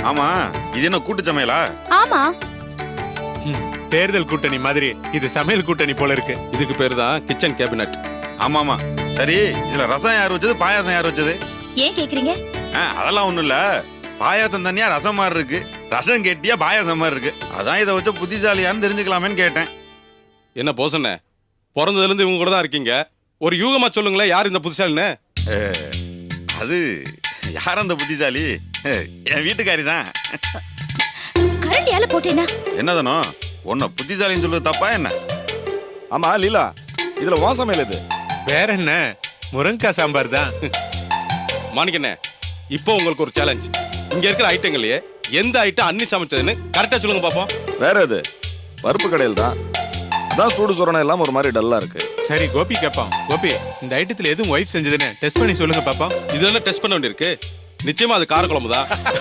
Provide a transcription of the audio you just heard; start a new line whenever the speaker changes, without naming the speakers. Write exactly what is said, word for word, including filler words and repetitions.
ஆமா, இது என்ன கூட்டு சமையலா?
ஆமா.
தேர்தல் கூட்டணி மாதிரி இது சமையல் கூட்டணி போல இருக்கு.
இதுக்கு பேரு தான் கிச்சன் கேபினட்.
ஆமா ஆமா. சரி, இதுல ரசம் யார் வச்சது, பாயாசம் யார் வச்சது?
ஏன் கேக்குறீங்க?
ஆ, அதெல்லாம் ஒண்ணும் இல்ல. பாயாசம் தனியா ரசம் மாதிரி இருக்கு, ரசம் கெட்டியா பாயாசம் மாதிரி இருக்கு. அதான் இதை வச்ச புத்திசாலியான்னு தெரிஞ்சுக்கலாமேன்னு கேட்டேன்.
என்ன போசண்ணே, பிறந்ததுல இருந்து இவங்க கூட தான் இருக்கீங்க. ஒரு யூகமா சொல்லுங்களேன், யார் இந்த புத்திசாலின்னு?
அது யார் அந்த புத்திசாலி? என் வீட்டுக்காரி தான்.
கரண்டியால போட்டேனா?
என்னதானோ உன்னை புத்திசாலின்னு சொல்றது தப்பா என்ன?
ஆமா லீலா, இதுல உன் சமையல் இது.
வேற என்ன, முருங்கக்காய் சாம்பார் தான்.
மாணிக்கண்ணே, இப்போ உங்களுக்கு ஒரு சேலஞ்ச். இங்க இருக்கிற ஐட்டங்களையே எந்த ஐட்டம் அன்னி சமைச்சதுன்னு கரெக்டா சொல்லுங்க பாப்போம்.
வேற எது? பருப்பு கடையில் தான். அதான் சூடு சுரணம் எல்லாம் ஒரு மாதிரி டல்லா இருக்கு.
சரி கோபி கேட்பான். கோபி, இந்த ஐட்டத்துல எதுவும் ஒய்ஃப் செஞ்சதுன்னு டெஸ்ட் பண்ணி சொல்லுங்க பாப்போம்.
இதெல்லாம் டெஸ்ட் பண்ண வேண்டியிருக்கு. நிச்சயமா அது காரக்குழம்பு தான்.